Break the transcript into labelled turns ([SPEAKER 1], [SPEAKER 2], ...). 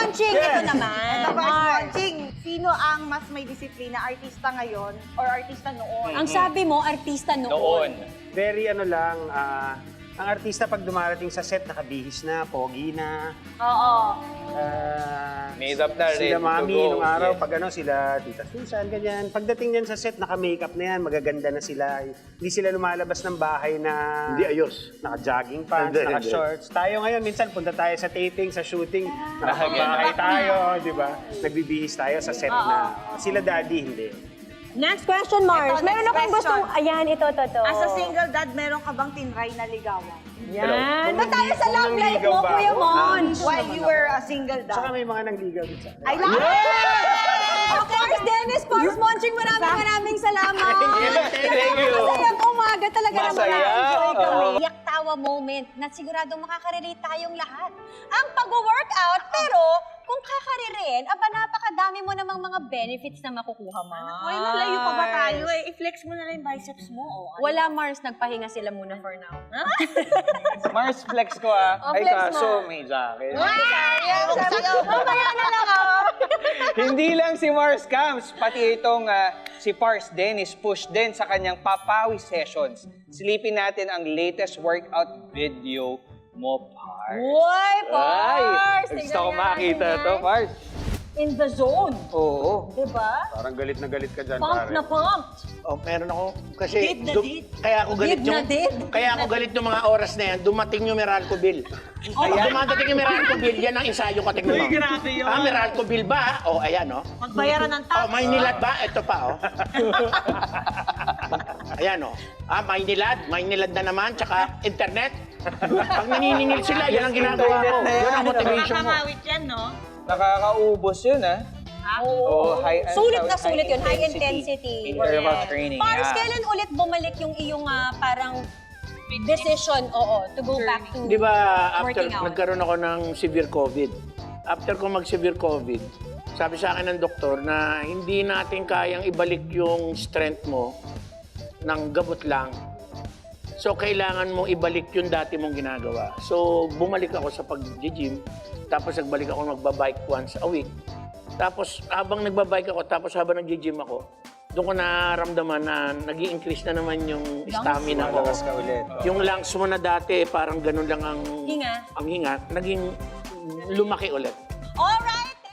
[SPEAKER 1] launching, ito naman.
[SPEAKER 2] Ito first
[SPEAKER 1] Mars.
[SPEAKER 2] launching. Sino ang mas may disiplina? Artista ngayon or artista noon?
[SPEAKER 1] Ang sabi mo, artista noon.
[SPEAKER 3] Very ano lang, ang artista pag dumarating sa set, nakabihis na, pogi na.
[SPEAKER 2] Oo.
[SPEAKER 4] Made up na, ready
[SPEAKER 3] Sila
[SPEAKER 4] to
[SPEAKER 3] mami
[SPEAKER 4] go.
[SPEAKER 3] nung araw,
[SPEAKER 4] Yes.
[SPEAKER 3] pag ano, sila Tita Susan, ganyan. Pagdating niyan sa set, naka-makeup na yan, magaganda na sila. Hindi sila lumalabas ng bahay na...
[SPEAKER 5] Hindi ayos.
[SPEAKER 3] Naka-jogging pants,
[SPEAKER 5] Hindi,
[SPEAKER 3] naka-shorts. Tayo ngayon, minsan punta tayo sa taping, sa shooting, nakabahay tayo, di ba? Nagbibihis tayo sa set na. Sila daddy, hindi.
[SPEAKER 1] Next question, Mars.
[SPEAKER 2] Ito,
[SPEAKER 1] Meron
[SPEAKER 2] next
[SPEAKER 1] akong
[SPEAKER 2] question.
[SPEAKER 1] gustong... Ayan, ito.
[SPEAKER 2] As a single dad, meron ka bang tinry na ligawan?
[SPEAKER 1] Yan. Ba't tayo sa
[SPEAKER 3] Kung
[SPEAKER 1] love life
[SPEAKER 3] nangligaw
[SPEAKER 1] mo,
[SPEAKER 3] ba
[SPEAKER 1] Kuya
[SPEAKER 3] ako?
[SPEAKER 1] Mon?
[SPEAKER 2] While you were a single
[SPEAKER 3] Saka
[SPEAKER 2] dad.
[SPEAKER 3] may mga nangligaw din sa akin.
[SPEAKER 2] I love it!
[SPEAKER 1] Of course, Dennis Pars Monching, maraming salamat.
[SPEAKER 4] Thank you.
[SPEAKER 1] Masayang umaga talaga naman.
[SPEAKER 4] Masaya.
[SPEAKER 1] Na-enjoy kami.
[SPEAKER 4] Oo.
[SPEAKER 1] Yak-tawa moment na siguradong makaka-relate tayong lahat. Ang pag-workout, pero kung kakaririn, aba napakadami mo namang mga benefits na makukuha, Mars.
[SPEAKER 2] Uy, malayo pa ba tayo eh? I-flex mo na lang yung biceps mo. Oh.
[SPEAKER 1] Wala, Mars. Nagpahinga sila muna for now.
[SPEAKER 4] Mars flex ko ah.
[SPEAKER 1] Oh,
[SPEAKER 4] Ay,
[SPEAKER 1] flex
[SPEAKER 4] kaso
[SPEAKER 1] mo.
[SPEAKER 4] may jacket.
[SPEAKER 1] Sayang, sabi ko, mamaya na lang ako.
[SPEAKER 4] Hindi lang si Mars Camps, pati itong si Pars Dennis push din sa kanyang Papawi Sessions. Silipin natin ang latest workout video mo, Pars.
[SPEAKER 1] Uy, Pars!
[SPEAKER 4] Ay, gusto ko makita to, Pars.
[SPEAKER 1] In the zone.
[SPEAKER 4] Oo.
[SPEAKER 1] Diba?
[SPEAKER 3] Parang galit na galit ka dyan,
[SPEAKER 1] Pump
[SPEAKER 3] pare.
[SPEAKER 1] na pump.
[SPEAKER 5] Oh, meron ako kasi
[SPEAKER 2] Did na did.
[SPEAKER 5] kaya ako galit
[SPEAKER 1] Did na did.
[SPEAKER 5] kaya ako galit yung mga oras na yan, dumating yung Meralco bill. Pag dumadating yung Meralco bill, yan ang ensayo ko tingnan mo.
[SPEAKER 4] Uy, grabe yun.
[SPEAKER 5] Ah, Meralco bill ba? Oh, ayan oh.
[SPEAKER 2] Magbayaran ng tax.
[SPEAKER 5] Oh, Maynilad ba? Ito pa oh. Ayan oh. Ah, Maynilad na naman, tsaka internet. Pag naniningil sila, yan ang ginagawa ko. Yan ang motivation mo.
[SPEAKER 2] Nakakawit yan, no?
[SPEAKER 4] Nakakaubos yun ah. Oo,
[SPEAKER 1] Sulit na sulit yun. High intensity.
[SPEAKER 4] Interval
[SPEAKER 1] Correct.
[SPEAKER 4] training.
[SPEAKER 1] Pars,
[SPEAKER 4] yeah.
[SPEAKER 1] kailan ulit bumalik yung iyong parang decision, to go back to
[SPEAKER 5] Di ba, after
[SPEAKER 1] working out?
[SPEAKER 5] nagkaroon ako ng severe COVID, after ko mag-severe COVID, sabi sa akin ng doktor na hindi natin kayang ibalik yung strength mo ng gabot lang. So, kailangan mong ibalik yung dati mong ginagawa. So, bumalik ako sa pag-gym, tapos nagbalik ako magbabike once a week. Tapos, habang nagbabike ako, tapos habang nag-gym ako, doon ko naramdaman na nag-i-increase na naman yung stamina ko.
[SPEAKER 4] Malakas ka ulit.
[SPEAKER 5] Yung lungs mo na dati, parang ganun lang ang
[SPEAKER 1] Hinga.
[SPEAKER 5] ang hinga, naging lumaki ulit.
[SPEAKER 1] Alright!